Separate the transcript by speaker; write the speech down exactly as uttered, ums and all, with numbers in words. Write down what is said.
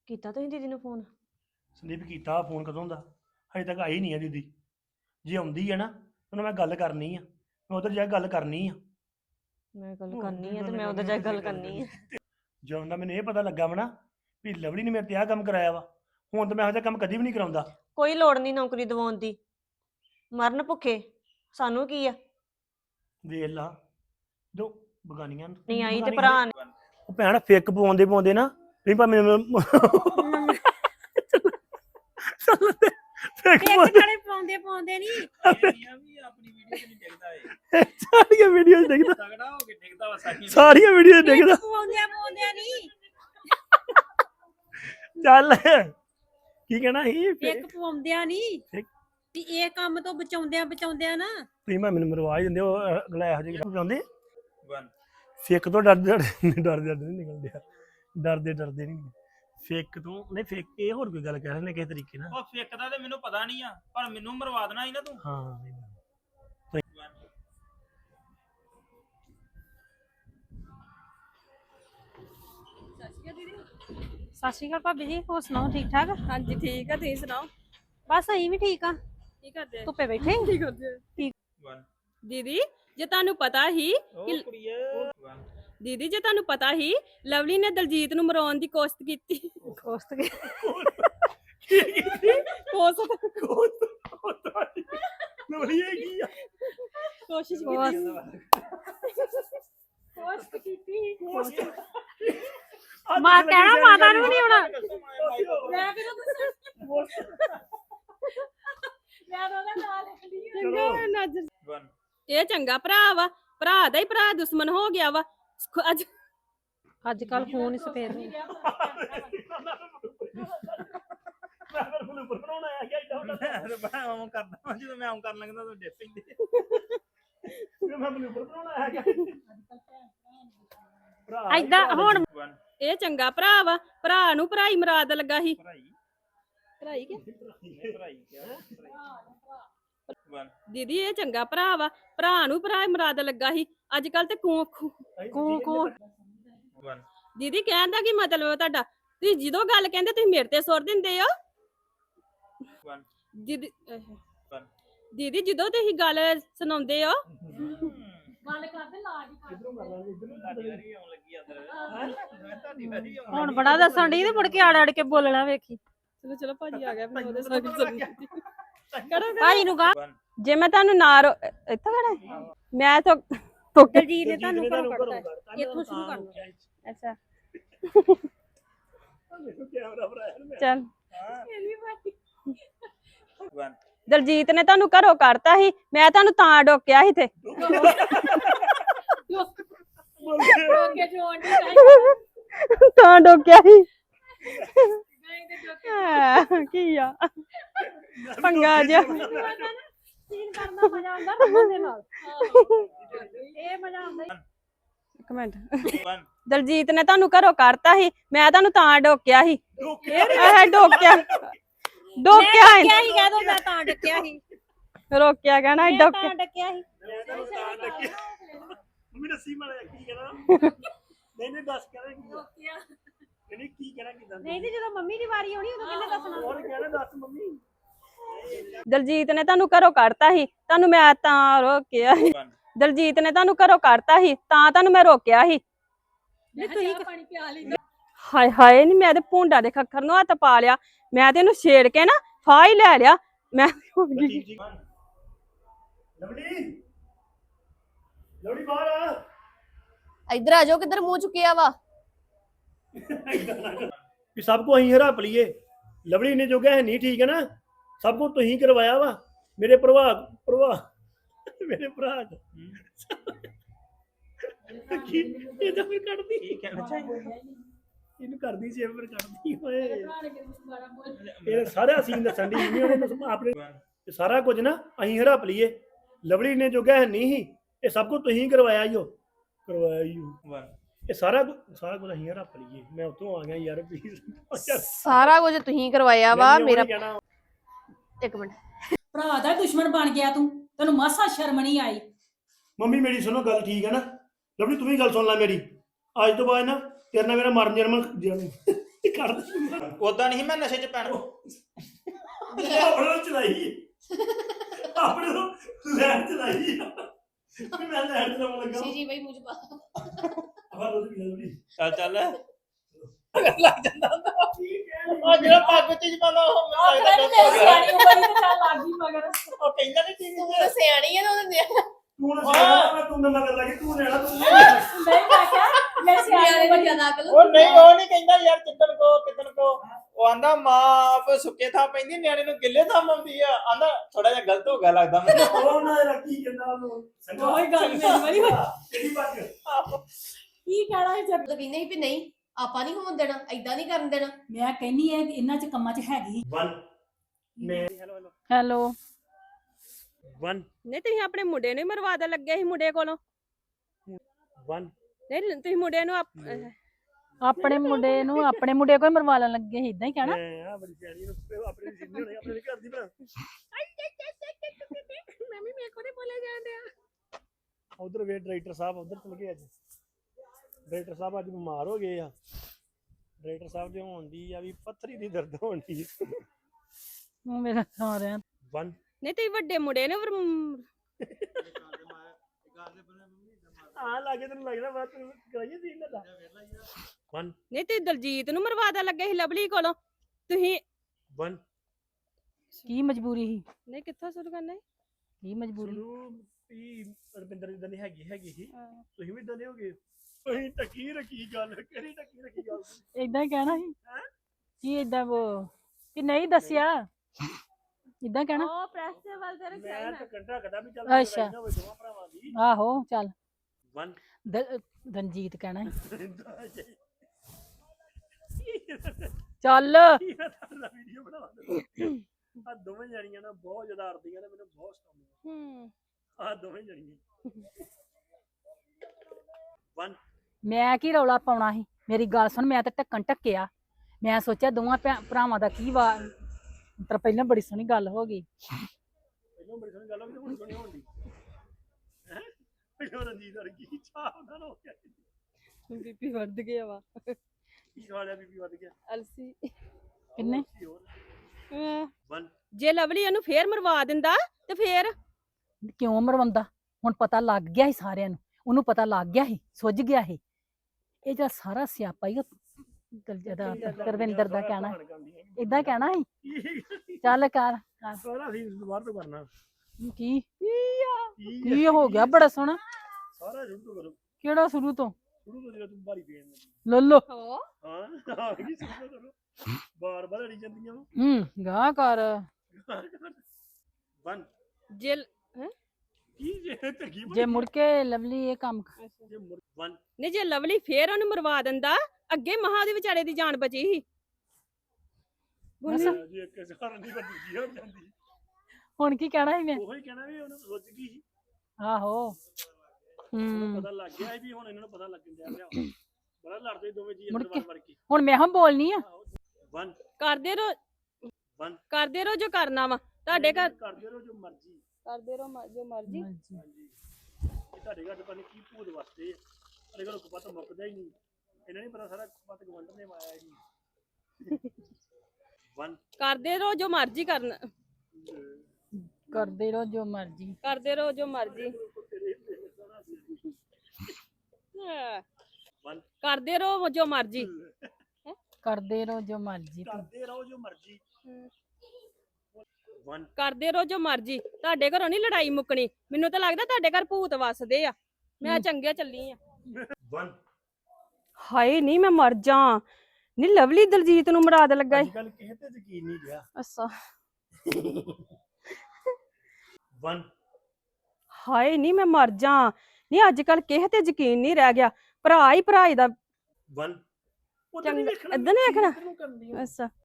Speaker 1: ਕੀਤਾ ਤੁਸੀਂ ਦੀਦੀ ਨੂੰ ਫੋਨ?
Speaker 2: ਸੰਦੀਪ ਕੀਤਾ ਫੋਨ ਕਦੋਂ ਦਾ? ਹਜੇ ਤੱਕ ਆਈ ਨਹੀਂ ਆ ਦੀਦੀ। ਜੇ ਆਉਂਦੀ ਹੈ ਨਾ ਉਹਨੂੰ ਮੈਂ ਗੱਲ ਕਰਨੀ ਆ, ਮੈਂ ਉਧਰ ਜਾ ਕੇ ਗੱਲ ਕਰਨੀ ਆ।
Speaker 1: ਮੈਂ ਗੱਲ
Speaker 2: ਹੋਰ
Speaker 1: ਕਰਨੀ
Speaker 2: ਕੀ
Speaker 1: ਆ ਤੇ
Speaker 2: ਗੱਲ
Speaker 1: ਮੈਂ ਉਹਦੇ
Speaker 2: ਕਰਨੀ
Speaker 1: ਜਾ
Speaker 2: ਆ,
Speaker 1: ਕੇ ਗੱਲ
Speaker 2: ਕਿੱਥੇ ਗੱਲ
Speaker 1: ਕਰਨੀ ਆ।
Speaker 2: ਜਦੋਂ ਦਾ ਮੈਨੂੰ ਇਹ ਪਤਾ ਲੱਗਾ ਵਾ ਨਾ ਵੀ ਲਵਲੀ ਨੇ ਮੇਰੇ ਤੇ ਆਹ ਕੰਮ ਕਰਾਇਆ ਵਾ, ਹੁਣ ਤਾਂ ਮੈਂ ਇਹੋ ਜਿਹਾ ਕੰਮ ਕਦੀ ਵੀ ਨਹੀਂ ਕਰਾਉਂਦਾ।
Speaker 1: ਕੋਈ ਲੋੜ ਨਹੀਂ ਨੌਕਰੀ ਦਿਵਾਉਣ ਦੀ, ਮਰਨ ਭੁੱਖੇ ਸਾਨੂੰ ਕੀ ਆ।
Speaker 2: ਵੇਖ ਲਾ ਜੋ ਬਗਾਨੀਆਂ ਨੂੰ-
Speaker 1: ਨਹੀਂ ਆਈ ਤੇ
Speaker 2: ਬੇਗਾਨੀ
Speaker 1: ਭਰਾ ਨੇ
Speaker 2: ਉਹ ਭੈਣ ਫਿੱਕ ਪਵਾਉਂਦੇ ਪਵਾਉਂਦੇ ਨਾ ਵੀ ਭਾਵੇਂ ਮੈਨੂੰ ਚੱਲ ਤੇ ਫਿੱਕ
Speaker 3: ਇੱਕ
Speaker 2: ਪਵਾਉਂਦੇ
Speaker 3: ਨਾਲੇ ਪਾਉਂਦੇ ਪਾਉਂਦੇ ਨਹੀਂ
Speaker 4: ਵੀ ਆਪਣੀ ਵੀਡੀਓ ਤੇ ਨਹੀਂ ਡਿੱਗਦਾ ਏ
Speaker 2: ਸਾਰੀਆਂ ਵੀਡੀਓ ਦੇਖਦਾ,
Speaker 4: ਤਗੜਾ ਹੋ ਕੇ ਡਿੱਗਦਾ ਵਾ ਸਾਰੀਆਂ
Speaker 2: ਸਾਰੀਆਂ ਵੀਡੀਓ ਦੇਖਦਾ।
Speaker 3: ਪਾਉਂਦੇ ਪਾਉਂਦੇ ਨਹੀਂ
Speaker 2: ਚੱਲ ਕੀ ਕਹਿਣਾ ਸੀ
Speaker 3: ਇੱਕ ਪਾਉਂਦਿਆਂ ਨਹੀਂ
Speaker 2: ਇੱਕ-
Speaker 3: ਤੇ ਇਹ ਕੰਮ ਤੋਂ ਬਚਾਉਂਦਿਆਂ ਬਚਾਉਂਦਿਆਂ ਨਾ
Speaker 2: ਤੁਸੀਂ ਮੈਂ ਮੈਨੂੰ ਮਰਵਾ ਹੀ ਦਿੰਦੇ ਹੋ, ਅਗਲਾ ਇਹੋ ਜਿਹੇ ਕੰਮ ਚਾਹੁੰਦੇ
Speaker 4: ਵਨ
Speaker 2: ਫਿੱਕ ਤੋਂ ਡਰਦੇ ਡਰਦੇ ਡਰਦੇ ਨਹੀਂ ਨਿਕਲਦੇ ਆ, ਡਰਦੇ ਡਰਦੇ ਨਹੀਂ ਫਿੱਕ ਤੋਂ ਨਹੀਂ ਫਿੱਕ ਇਹ ਹੋਰ ਕੋਈ ਗੱਲ ਕਹਿ ਰਹੇ ਨੇ ਕਿਸੇ ਤਰੀਕੇ ਨਾਲ।
Speaker 4: ਉਹ ਫਿੱਕ ਦਾ ਤੇ ਮੈਨੂੰ ਪਤਾ ਨਹੀਂ ਆ ਪਰ ਮੈਨੂੰ ਮਰਵਾ ਦੇਣਾ ਸੀ ਨਾ ਤੂੰ
Speaker 2: ਹਾਂ
Speaker 3: ਸਤਿ ਸ਼੍ਰੀ ਅਕਾਲ ਭਾਬੀ ਜੀ, ਹੋਰ ਸੁਣਾਓ ਠੀਕ ਠਾਕ?
Speaker 5: ਹਾਂਜੀ ਠੀਕ ਆ, ਤੁਸੀਂ ਸੁਣਾਓ
Speaker 3: ਬਸ ਅਸੀਂ ਵੀ ਠੀਕ ਆ,
Speaker 5: ਕੀ ਕਰਦੇ?
Speaker 3: ਧੁੱਪੇ ਬੈਠੇ
Speaker 5: ਕੀ ਕਰਦੇ?
Speaker 4: ਵਨ
Speaker 5: ਦੀਦੀ ਜੇ ਤੁਹਾਨੂੰ ਪਤਾ ਹੀ
Speaker 4: ਉਹ
Speaker 5: ਕਿ
Speaker 4: ਕੁੜੀਏ ਵਨ
Speaker 5: ਦੀਦੀ ਜੇ ਤੁਹਾਨੂੰ ਪਤਾ ਹੀ ਲਵਲੀ ਨੇ ਦਲਜੀਤ ਨੂੰ ਮਰਾਉਣ ਦੀ ਕੋਸ਼ਿਸ਼ ਕੀਤੀ
Speaker 1: ਕੋਸਤ ਕੇ
Speaker 5: ਕੋਸ਼ਿਸ਼
Speaker 2: ਲੋੜੀ ਹੈਗੀ ਆ
Speaker 5: ਕੋਸ਼ਿਸ਼ ਕੀਤੀ ਕੋਸ਼ਿਸ਼ ਕੀਤੀ
Speaker 3: ਮਾਂ ਕਹਿਣਾ ਮਾਤਾ ਨੂੰ ਨਹੀਂ ਆਉਣਾ।
Speaker 5: ਮੈਂ ਕਿਹੜਾ ਦੱਸਾਂ ਮੈਂ ਤਾਂ ਉਹਦਾ ਨਾਂ ਲਿਖਦੀ ਆ ਚੰਗਾ ਨਜ਼ਰ
Speaker 4: ਵਨ
Speaker 5: ਇਹ ਚੰਗਾ ਭਰਾ ਵਾ, ਭਰਾ ਦਾ ਹੀ ਭਰਾ ਦੁਸ਼ਮਨ ਹੋ ਗਿਆ ਵਾ ਅੱਜ
Speaker 1: ਅੱਜ ਕੱਲ ਫੋਨ ਹੀ ਸਪੇਰ ਹੋ
Speaker 2: ਮੈਂ ਫਿਰ ਬਲੂਪਰ ਬਣਾਉਣਾ ਆ ਗਿਆ ਇਦਾਂ
Speaker 4: ਮੈਂ ਬੜਾ ਆਉਂ ਕਰਦਾ ਵਾਂ, ਜਦੋਂ ਮੈਂ ਆਉਂ ਕਰਨ ਲੱਗਦਾ ਤਾਂ ਡਿੱਪ ਪੈਂਦੇ
Speaker 2: ਮੈਂ ਬਲੂਪਰ ਬਣਾਉਣਾ ਆ ਗਿਆ ਭਰਾ
Speaker 3: ਐਦਾਂ ਹੁਣ
Speaker 4: ਵਨ
Speaker 5: ਇਹ ਚੰਗਾ ਭਰਾ ਵਾ, ਭਰਾ ਨੂੰ ਭਰਾਈ ਮਰਾਦ ਲੱਗਾ ਸੀ
Speaker 4: ਭਰਾਈ
Speaker 5: ਭਰਾਈ ਕਿ
Speaker 4: ਨਹੀਂ ਭਰਾਈ ਕਿਹਾ ਵਨ
Speaker 5: ਦੀਦੀ ਇਹ ਚੰਗਾ ਭਰਾ ਵਾ, ਭਰਾ ਨੂੰ ਭਰਾ ਮਰਾਦ ਲੱਗਾ ਸੀ ਅੱਜ ਕੱਲ ਤੇ ਕੂ
Speaker 1: ਕੂ ਕੂ
Speaker 4: ਵਨ
Speaker 5: ਦੀਦੀ ਕਹਿਣ ਦਾ ਕੀ ਮਤਲਬ ਹੈ ਤੁਹਾਡਾ? ਤੁਸੀਂ ਜਦੋਂ ਗੱਲ ਕਹਿੰਦੇ ਤੁਸੀਂ ਮੇਰੇ ਤੇ ਸੁਰ ਦਿੰਦੇ ਹੋ
Speaker 4: ਵਨ
Speaker 5: ਦੀਦੀ ਅਹ,
Speaker 4: ਵਨ
Speaker 5: ਦੀਦੀ ਜਦੋਂ ਤੁਸੀਂ ਗੱਲ ਸੁਣਾਉਂਦੇ ਹੋ
Speaker 3: ਗੱਲ ਕਰਦੇ ਲਾਜ
Speaker 4: ਤੁਹਾਡੀ ਵਾਰੀ ਆਉਣ ਲੱਗੀ ਅੰਦਰ ਤੁਹਾਡੀ ਵਾਰੀ ਆਉਣ
Speaker 1: ਹੁਣ ਬੜਾ ਦੱਸਣ ਡਈ ਤੇ ਮੁੜ ਕੇ ਆੜ ਆੜ ਕੇ ਬੋਲਣਾ ਵੇਖੀ।
Speaker 5: ਚਲੋ ਚਲੋ ਭਾਜੀ ਆ ਗਿਆ ਫਿਰ ਉਹਦੇ ਸਾਥ ਚੱਲ ਕਰੋ
Speaker 1: ਭਾਜੀ ਨੂੰ ਕਹਾ
Speaker 4: ਵਨ
Speaker 5: ਜੇ ਮੈਂ ਤੁਹਾਨੂੰ ਨਾ ਰੋ- ਇੱਥੇ ਖੜਾ ਮੈਂ ਤਾਂ ਤੁੱਕ
Speaker 3: ਦਲਜੀਤ ਨੇ ਤੁਹਾਨੂੰ ਘਰੋਂ ਕੱਢਤਾ, ਇੱਥੋਂ ਸ਼ੁਰੂ ਕਰਨਾ।
Speaker 5: ਅੱਛਾ
Speaker 2: ਕੈਮਰਾ ਭਰਾਇਆ ਮੈਂ
Speaker 5: ਚੱਲ
Speaker 4: ਵਨ
Speaker 5: ਦਲਜੀਤ ਨੇ ਤੁਹਾਨੂੰ ਘਰੋਂ ਕੱਢਤਾ ਸੀ, ਮੈਂ ਤੁਹਾਨੂੰ ਤਾਂ ਡੋਕਿਆ ਸੀ ਤੇ
Speaker 3: ਅੱਗੇ ਜੋੜ ਨਹੀਂ ਚਾਹੀਦਾ
Speaker 5: ਤਾਂ ਡੋਕਿਆ ਸੀ ਹਾਂ, ਕੀ ਆ ਪੰਗਾ ਜਿਹਾ
Speaker 3: ਸੀਨ ਕਰਨਾ ਮਜ਼ਾ ਆਉਂਦਾ ਰਮਨ ਦੇ ਨਾਲ ਇਹ ਮਜ਼ਾ ਆਉਂਦਾ
Speaker 5: ਇੱਕ ਮਿੰਟ
Speaker 4: ਵਨ
Speaker 5: ਦਲਜੀਤ ਨੇ ਤੁਹਾਨੂੰ ਘਰੋਂ ਕੱਢਤਾ ਸੀ, ਮੈਂ ਤੁਹਾਨੂੰ ਤਾਂ ਡੋਕਿਆ ਸੀ
Speaker 2: ਰੋਕੇ
Speaker 5: ਇਹ ਡੋਕਿਆ ਡੋਕਿਆ ਸੀ।
Speaker 3: ਡੱਕਿਆ ਹੀ ਕਹਿ ਦੋ, ਮੈਂ ਤਾਂ ਡੱਕਿਆ ਸੀ,
Speaker 5: ਰੋਕਿਆ ਕਹਿਣਾ
Speaker 3: ਮੈਂ
Speaker 5: ਡੋਕਿਆ
Speaker 3: ਤਾਂ ਡੱਕਿਆ ਸੀ।
Speaker 2: ਮੈਂ ਤਾਂ ਤਾਂ ਡੱਕਿਆ ਮੰਮੀ ਦੱਸੀ ਮਾੜਾ ਕੀ ਕਹਿਣਾ ਨਹੀਂ ਨਹੀਂ ਦੱਸ ਕਹਿਣਾ ਕੀ ਆ? ਨਹੀਂ ਕੀ ਕਹਿਣਾ ਕਿਦਾਂ
Speaker 3: ਨਹੀਂ ਤੇ ਜਦੋਂ ਮੰਮੀ ਦੀ ਵਾਰੀ ਆਉਣੀ ਉਦੋਂ ਕਿੰਨੇ ਦੱਸਣਾ?
Speaker 2: ਹੋਰ ਕਹਿਣਾ ਦੱਸ ਮੰਮੀ
Speaker 5: ਦਲਜੀਤ ਨੇ ਤੁਹਾਨੂੰ ਘਰੋਂ ਕੱਢਤਾ ਸੀ, ਤੁਹਾਨੂੰ ਮੈਂ ਤਾਂ ਰੋਕਿਆ ਸੀ
Speaker 4: ਵਨ
Speaker 5: ਦਲਜੀਤ ਨੇ ਤੁਹਾਨੂੰ ਘਰੋਂ ਕੱਢਤਾ ਸੀ ਤਾਂ ਤੁਹਾਨੂੰ ਮੈਂ ਰੋਕਿਆ ਸੀ।
Speaker 3: ਨਹੀਂ ਤੁਸੀਂ ਪਾਣੀ ਪਿਆ ਲਈ
Speaker 5: ਹਾਏ ਹਾਏ ਨਹੀਂ ਮੈਂ ਤੇ ਭੁੰਡਾ ਦੇ ਖੱਖਰ ਨੂੰ ਹੱਥ ਪਾ ਲਿਆ, ਮੈਂ ਤੇ ਇਹਨੂੰ ਛੇੜ ਕੇ ਨਾ ਫਾਹ ਹੀ ਲੈ ਲਿਆ ਮੈਂ
Speaker 2: ਠੀਕ ਠੀਕ ਲਵਲੀ ਲਵਲੀ ਬਾਹਰ ਆ
Speaker 6: ਇੱਧਰ ਆ ਜਾਓ, ਕਿੱਧਰ ਮੂੰਹ ਚੁੱਕਿਆ ਵਾ?
Speaker 2: ਵੀ ਸਭ ਕੋ ਅਸੀਂ ਹਰਾਪ ਲਈਏ। ਲਵਲੀ ਨੇ ਜੋਗਿਆ ਹੈ ਨਹੀਂ, ਠੀਕ ਹੈ ਨਾ, ਸਭ ਕੁਝ ਤੁਸੀਂ ਕਰਵਾਇਆ ਵਾ ਮੇਰੇ ਭਰਾ ਭਰਾ ਮੇਰੇ ਭਰਾ ਕੀ ਇਹ ਤਾਂ ਫਿਰ ਕੱਢਦੀ
Speaker 4: ਕੀ ਕਹਿਣਾ ਚਾਹੀਦਾ
Speaker 2: ਇਹਨੂੰ ਕਰਦੀ ਸੀ ਫਿਰ ਕੱਢਦੀ ਓਏ ਇਹ ਸਾਰਾ ਸੀਨ ਦੱਸਣ ਦੀ ਨਹੀਂ ਉਹਨੇ ਆਪਣੇ ਇਹ ਸਾਰਾ ਕੁਝ ਨਾ ਅਸੀਂ ਹਰਾਪ ਲਈਏ। ਲਵਲੀ ਨੇ ਜੋਗਿਆ ਹੈ ਨਹੀਂ ਸੀ, ਇਹ ਸਭ ਕੁਝ ਤੁਸੀਂ ਕਰਵਾਇਆ ਈਓ ਕਰਵਾਇਆ ਈਓ
Speaker 4: ਵਨ
Speaker 2: ਇਹ ਸਾਰਾ ਕੁਝ- ਸਾਰਾ ਕੁਝ ਅਸੀਂ ਹਰਾਪ ਲਈਏ। ਮੈਂ ਉੱਥੋਂ ਆ ਗਿਆ ਯਾਰ ਪਲੀਜ਼
Speaker 6: ਸਾਰਾ ਕੁਝ ਤੁਸੀਂ ਕਰਵਾਇਆ ਵਾ ਮੇਰਾ।
Speaker 2: ਕਹਿਣਾ
Speaker 6: ਇੱਕ ਮਿੰਟ,
Speaker 3: ਭਰਾ ਦਾ ਦੁਸ਼ਮਣ ਬਣ ਗਿਆ ਤੂੰ, ਤੈਨੂੰ ਮਾਸਾ ਸ਼ਰਮ ਨਹੀਂ ਆਈ?
Speaker 2: ਮੰਮੀ ਮੇਰੀ ਸੁਣੋ ਗੱਲ, ਠੀਕ ਹੈ ਨਾ? ਲਵਲੀ ਤੂੰ ਵੀ ਗੱਲ ਸੁਣ ਲੈ ਮੇਰੀ, ਅੱਜ ਤੋਂ ਬਾਅਦ ਨਾ ਤੇਰੇ ਨਾਲ ਮੇਰਾ ਮਰਨ ਜਨਮ ਜਨਮ ਕੱਢਦੀ
Speaker 4: ਉਦਾਂ ਨਹੀਂ ਮੈਂ ਨਸ਼ੇ 'ਚ ਪੈਣਾ
Speaker 2: ਆਪਣੇ ਨੂੰ ਚਲਾਈ ਆਪਣੇ ਨੂੰ ਲੈਣ ਚਲਾਈ ਵੀ ਮੈਂ ਲੈਣ ਚਲਾਉਣ ਲੱਗਾ
Speaker 6: ਜੀ ਜੀ ਬਈ ਮੁਝ ਪਾ
Speaker 2: ਆਵਾਜ਼ ਉਹਦੀ ਵੀ ਉਹਦੀ
Speaker 4: ਚੱਲ ਚੱਲ ਲੱਗ ਜਾਂਦਾ ਉਹ ਜਿਹੜਾ ਪੱਗ ਚੀਜ਼ ਪਾਉਂਦਾ ਉਹ ਮੈਨੂੰ ਲੱਗਦਾ ਗਲਤ ਹੋ ਗਿਆ ਉਹ ਕਹਿੰਦਾ ਨਹੀਂ ਠੀਕ
Speaker 6: ਤੂੰ ਤਾਂ ਸਿਆਣੀ ਹੈ ਨਾ ਉਹਦੇ
Speaker 2: ਤੂੰ ਨਾ ਸਿਆਣਾ ਮੈਂ ਤੂੰ ਨਾ ਮਗਰ ਲੱਗੀ ਤੂੰ ਨੇੜਾ ਤੂੰ
Speaker 6: ਸਿਆਣੇ ਨੂੰ ਜ਼ਿਆਦਾ ਅਕਲ
Speaker 4: ਉਹ ਨਹੀਂ ਉਹ ਨਹੀਂ ਕਹਿੰਦਾ ਯਾਰ ਕਿੱਦਣ ਕੋ ਕਿੱਦਣ ਕੋ ਉਹ ਆਂਦਾ ਮਾਂ ਆਪ ਸੁੱਕੇ ਥਾਂ ਪੈਂਦੀ ਨਿਆਣੇ ਨੂੰ ਗਿੱਲੇ ਥਾਂ ਆਉਂਦੀ ਆ ਆਂਦਾ ਥੋੜਾ ਜਿਹਾ ਗਲਤ ਹੋ ਗਿਆ ਲੱਗਦਾ ਮੈਨੂੰ
Speaker 2: ਉਹ ਨਾ ਰੱਖੀ ਕਹਿੰਦਾ ਉਹਨੂੰ ਸੰਗਾ
Speaker 3: ਉਹੀ ਗੱਲ ਮੇਰੀ ਵਾਰੀ ਹੋਈ।
Speaker 2: ਕਿਹੜੀ ਪੱਗ
Speaker 3: ਕੀ ਕਹਿਣਾ ਹੈ ਜਦ
Speaker 6: ਤਾਂ ਕਹਿੰਦੇ ਸੀ ਵੀ ਨਹੀਂ ਆਪਾਂ ਨਹੀਂ ਹੋਣ ਦੇਣਾ ਐਦਾਂ ਨਹੀਂ ਕਰਨ ਦੇਣਾ
Speaker 3: ਮੈਂ ਕਹਿੰਨੀ ਐ ਇਹਨਾਂ ਚ ਕੰਮਾਂ ਚ ਹੈਗੀ
Speaker 2: ਵਨ ਮੈਂ ਹੈਲੋ ਹੈਲੋ
Speaker 5: ਹੈਲੋ
Speaker 2: ਵਨ
Speaker 5: ਨਹੀਂ ਤੁਸੀਂ ਆਪਣੇ ਮੁੰਡੇ ਨੂੰ ਹੀ ਮਰਵਾ ਦੇ ਲੱਗੇ ਸੀ ਮੁੰਡੇ ਕੋਲੋਂ
Speaker 2: ਵਨ
Speaker 5: ਨਹੀਂ ਤੁਸੀਂ ਮੁੰਡੇ ਨੂੰ ਆਪ- ਅਹ,
Speaker 3: ਆਪਣੇ ਮੁੰਡੇ ਨੂੰ ਆਪਣੇ ਮੁੰਡੇ ਕੋਈ ਮਰਵਾ ਲੈਣ ਲੱਗੇ ਸੀ ਇਦਾਂ ਹੀ ਕਹਿਣਾ
Speaker 2: ਮੈਂ ਆ ਬੜੀ ਸਿਆਣੀ ਨੂੰ ਆਪਣੇ ਸਿੰਧ ਹੋਣੇ ਆਪਣੇ ਘਰ ਦੀ ਬਣਾ
Speaker 5: ਮੈਂ ਵੀ ਮੇਰੇ ਕੋਲ ਹੀ ਬੋਲੇ ਜਾਂਦੇ ਆ
Speaker 2: ਉਧਰ ਵੇ ਡਾਇਰੈਕਟਰ ਸਾਹਿਬ ਉਧਰ ਚਲ ਗਏ ਅੱਜ ਡਾਇਰੈਕਟਰ ਸਾਹਿਬ ਅੱਜ ਬਿਮਾਰ ਹੋ ਗਏ ਆ ਡਾਇਰੈਕਟਰ ਸਾਹਿਬ ਦੇ ਹੋਣ ਦੀ ਆ ਵੀ ਪੱਥਰੀ ਦੀ ਦਰਦ ਹੋਣ ਦੀ
Speaker 3: ਉਹ ਮੇਰਾ ਸਾਰਿਆਂ
Speaker 2: ਵਨ
Speaker 5: ਨਹੀਂ ਤੁਸੀਂ ਵੱਡੇ ਮੁੰਡੇ ਨੂੰ ਵਰ-
Speaker 2: ਆ ਲਾਗੇ ਤੈਨੂੰ ਲੱਗਦਾ ਬਾਤ ਕਰਾਈਏ ਸੀ ਇਹਨਾਂ ਦਾ ਵਨ
Speaker 5: ਨਹੀਂ ਤੁਸੀਂ ਦਲਜੀਤ ਨੂੰ ਮਰਵਾ ਦੇ ਲੱਗੇ ਸੀ ਲਵਲੀ ਕੋਲੋਂ ਤੁਸੀਂ
Speaker 2: ਵਨ
Speaker 3: ਕੀ ਮਜਬੂਰੀ ਸੀ
Speaker 5: ਨਹੀਂ ਕਿੱਥੋਂ ਸ਼ੁਰੂ ਕਰਨਾ ਹੈ
Speaker 3: ਕੀ ਮਜਬੂਰੀ
Speaker 2: ਸੁਣੋ ਵੀ ਰਵਿੰਦਰ ਇਦਾਂ ਦੀ ਹੈਗੀ ਹੈਗੀ ਸੀ ਤੁਸੀਂ ਵੀ ਇਦਾਂ ਦੇ ਹੋਗੇ ਤੁਸੀਂ ਟੱਕੀ ਰੱਖੀ ਗੱਲ ਕਿਹੜੀ ਟੱਕੀ ਰੱਖੀ ਗੱਲ
Speaker 3: ਇਦਾਂ ਹੀ ਕਹਿਣਾ ਸੀ ਕੀ ਇਦਾਂ ਉਹ ਕਿ ਨਹੀਂ ਦੱਸਿਆ ਇਦਾਂ ਕਹਿਣਾ
Speaker 5: ਉਹ ਪ੍ਰੈਸ ਦੇ ਵੱਲ ਤੇ ਰੱਖਿਆ
Speaker 2: ਮੈਂ
Speaker 5: ਨਾ
Speaker 2: ਤਾਂ ਘੰਟਾ ਕਦਾ ਵੀ ਚੱਲ
Speaker 3: ਅੱਛਾ।
Speaker 2: ਨਾ ਹੋਵੇ ਦੋਵਾਂ ਭਰਾਵਾਂ ਦੀ
Speaker 3: ਆਹੋ ਚੱਲ
Speaker 2: ਵਨ
Speaker 3: ਦ- ਦਲਜੀਤ ਕਹਿਣਾ ਸੀ।
Speaker 5: ਚੱਲ
Speaker 2: ਵੀਡੀਓ ਬਣਾਵਾ ਆ ਦੋਵੇਂ ਜਣੀਆਂ ਨਾ ਬਹੁਤ ਜ਼ਿਆਦਾ ਅੜਦੀਆਂ ਨੇ ਮੈਨੂੰ ਬਹੁਤ ਸਤਾਉਂਦੀਆਂ
Speaker 5: ਹੂੰ
Speaker 2: ਆ ਦੋਵੇਂ ਜਣੀਆਂ ਵਨ
Speaker 3: ਮੈਂ ਕੀ ਰੌਲਾ ਪਾਉਣਾ ਸੀ ਮੇਰੀ ਗੱਲ ਸੁਣ ਮੈਂ ਤਾਂ ਢੱਕਣ ਢੱਕਿਆ ਮੈਂ ਸੋਚਿਆ ਦੋਵਾਂ ਭੈ- ਭਰਾਵਾਂ ਦਾ ਕੀ ਵਾ ਪਰ ਪਹਿਲਾਂ ਬੜੀ ਸੋਹਣੀ ਗੱਲ ਹੋ ਗਈ
Speaker 2: ਪਹਿਲਾਂ ਬੜੀ ਸੋਹਣੀ ਗੱਲ ਹੋ ਗਈ ਤੇ ਹੁਣ ਸੋਹਣੀ ਹੋਣ ਦੀ ਹੈ ਪਹਿਲਾਂ ਰਣਜੀਤ ਵਰਗੀ ਚਾਹ ਉਹਨਾਂ ਨੂੰ ਹੋ ਗਿਆ
Speaker 5: ਬੀਪੀ ਵੱਧ ਗਿਆ ਵਾ
Speaker 2: ਕੀ ਖਾ ਲਿਆ ਬੀਬੀ ਵੱਧ ਗਿਆ
Speaker 5: ਅਲਸੀ
Speaker 3: ਕਿੰਨੇ
Speaker 5: ਹਾਂ।
Speaker 2: ਵਨ
Speaker 5: ਜੇ ਲਵਲੀ ਉਹਨੂੰ ਫੇਰ ਮਰਵਾ ਦਿੰਦਾ ਤੇ ਫੇਰ
Speaker 3: ਕਿਉਂ ਮਰਵਾਉਂਦਾ ਹੁਣ ਪਤਾ ਲੱਗ ਗਿਆ ਸੀ ਸਾਰਿਆਂ ਨੂੰ ਉਹਨੂੰ ਪਤਾ ਲੱਗ ਗਿਆ ਸੀ ਸੁੱਝ ਗਿਆ ਸੀ ਇਹ ਜਿਹੜਾ ਸਾਰਾ ਸਿਆਪਾ ਹੀ ਦਲਜਦਾ ਰਵਿੰਦਰ ਦਾ ਕਹਿਣਾ ਇਦਾਂ ਕਹਿਣਾ ਸੀ ਚੱਲ ਕਰ ਕਰ।
Speaker 2: ਸਾਰਾ ਸੀ ਦੁਬਾਰਾ ਤੋਂ ਕਰਨਾ
Speaker 3: ਕੀ
Speaker 2: ਕੀ
Speaker 3: ਕੀ ਹੋ ਗਿਆ ਬੜਾ ਸੋਹਣਾ
Speaker 2: ਸਾਰਾ ਸ਼ੁਰੂ ਤੋਂ ਕਰੋ
Speaker 3: ਕਿਹੜਾ ਸ਼ੁਰੂ ਤੋਂ
Speaker 2: ਸ਼ੁਰੂ ਤੋਂ ਜਿਹੜਾ ਤੂੰ ਭਾਰੀ ਪੇਨ
Speaker 3: ਲੱਲੋ
Speaker 2: ਹਾਂ ਆ ਗਈ ਸ਼ੁਰੂ ਤੋਂ ਕਰੋ ਬਾਰ ਬਾਰ ਅੜੀ ਜਾਂਦੀਆਂ ਵਾ
Speaker 3: ਹੂੰ ਗਾ ਕਰ
Speaker 2: ਵਨ
Speaker 5: ਜੇ ਹੈਂ?
Speaker 2: ਕੀ ਜੇ ਧੱਗੀ
Speaker 3: ਜੇ ਮੁੜ ਕੇ ਲਵਲੀ ਇਹ ਕੰਮ
Speaker 2: ਜੇ ਵਨ
Speaker 5: ਨਹੀਂ ਜੇ ਲਵਲੀ ਫੇਰ ਉਹਨੂੰ ਮਰਵਾ ਦਿੰਦਾ ਅੱਗੇ ਮਹਾ ਦੇ ਵਿਚਾਰੇ ਦੀ ਜਾਨ ਬਚੀ ਸੀ
Speaker 3: ਬਸ
Speaker 2: ਜੀ ਇੱਕ ਸਹਾਰਾ ਨਹੀਂ ਤਾਂ ਦੂਜੀ ਹੋ ਜਾਂਦੀ
Speaker 3: ਹੁਣ ਕੀ ਕਹਿਣਾ ਸੀ ਮੈਂ
Speaker 2: ਉਹੀ ਕਹਿਣਾ ਵੀ ਉਹਨੂੰ ਸੋਚ ਗਈ ਸੀ
Speaker 3: ਆਹੋ
Speaker 2: ਉਹਨੂੰ
Speaker 3: ਹੂੰ
Speaker 2: ਪਤਾ ਲੱਗ ਗਿਆ ਸੀ ਵੀ ਹੁਣ ਇਹਨਾਂ ਨੂੰ ਪਤਾ ਲੱਗਣ ਦਿਆ ਪਿਆ ਬੜਾ ਲੜਦੇ ਦੋਵੇਂ ਜੀ
Speaker 3: ਮੁੜ
Speaker 2: ਅੰਦਰ
Speaker 3: ਕੇ।
Speaker 2: ਵੜ ਵੜ ਕੇ
Speaker 3: ਹੁਣ ਮੈਂ ਹਾਂ ਬੋਲਨੀ ਆ
Speaker 2: ਵਨ
Speaker 5: ਕਰਦੇ ਰੋ
Speaker 2: ਵਨ
Speaker 5: ਕਰਦੇ ਰੋ ਜੋ ਕਰਨਾ ਵਾ ਤੁਹਾਡੇ ਘਰ
Speaker 2: ਕਰਦੇ ਰਹੋ ਜੋ ਮਰਜ਼ੀ
Speaker 5: ਕਰਦੇ ਰੋ ਜੋ ਮਰਜ਼ੀ
Speaker 2: ਹਾਂਜੀ ਇਹ ਤੁਹਾਡੇ ਘਰ ਪਤਾ ਨਹੀਂ ਕੀ ਭੂਤ ਵਸਦੇ ਆ ਸਾਡੇ ਘਰ ਕੁਪਤ ਮੁੱਕਦਾ ਹੀ ਨਹੀਂ ਇਹਨਾਂ ਨਹੀਂ ਪਤਾ ਸਾਰਾ ਕੁਪਤ ਗਵੰਡ ਨੇ ਮਾਇਆ ਜੀ ਵਨ
Speaker 5: ਕਰਦੇ ਰੋ ਜੋ ਮਰਜ਼ੀ ਕਰਨਾ
Speaker 3: ਕਰਦੇ ਰਹੋ ਜੋ ਮਰਜ਼ੀ
Speaker 5: ਕਰਦੇ ਰੋ ਜੋ ਮਰਜ਼ੀ ਹਾਂ।
Speaker 2: ਵਨ
Speaker 5: ਕਰਦੇ ਰੋ ਜੋ ਮਰਜ਼ੀ
Speaker 3: ਕਰਦੇ ਰਹੋ ਜੋ ਮਰਜ਼ੀ ਤੂੰ।
Speaker 2: ਕਰਦੇ ਰਹੋ ਜੋ ਮਰਜ਼ੀ ਵਨ
Speaker 5: ਕਰਦੇ ਰੋ ਜੋ ਮਰਜ਼ੀ ਤੁਹਾਡੇ ਘਰੋਂ ਨਹੀਂ ਲੜਾਈ ਮੁੱਕਣੀ ਮੈਨੂੰ ਤਾਂ ਲੱਗਦਾ ਤੁਹਾਡੇ ਘਰ ਭੂਤ ਵਸਦੇ ਆ ਮੈਂ ਚੰਗਿਆ ਚੱਲੀ ਆ
Speaker 2: ਵਨ
Speaker 5: ਹਾਏ ਨਹੀਂ ਮੈਂ ਮਰ ਜਾ ਨਹੀਂ ਲਵਲੀ ਦਲਜੀਤ ਨੂੰ ਮਰਾਦ ਲੱਗਾ ਈ।
Speaker 2: ਅੱਜ ਕੱਲ ਕਿਸੇ ਤੇ ਯਕੀਨ ਨਹੀਂ ਰਿਹਾ
Speaker 5: ਅੱਛਾ
Speaker 2: ਵਨ
Speaker 5: ਹਾਏ ਨਹੀਂ ਮੈਂ ਮਰ ਜਾ ਨਹੀਂ ਅੱਜ ਕੱਲ ਕਿਸੇ ਤੇ ਯਕੀਨ ਨਹੀਂ ਰਹਿ ਗਿਆ ਭਰਾ ਹੀ ਭਰਾ ਹੀ ਦਾ
Speaker 2: ਵਨ
Speaker 5: ਚੰਗਾ ਏਦਾਂ ਨੀ ਵੇਖਣਾ
Speaker 2: ਕਰਦੀ
Speaker 5: ਅੱਛਾ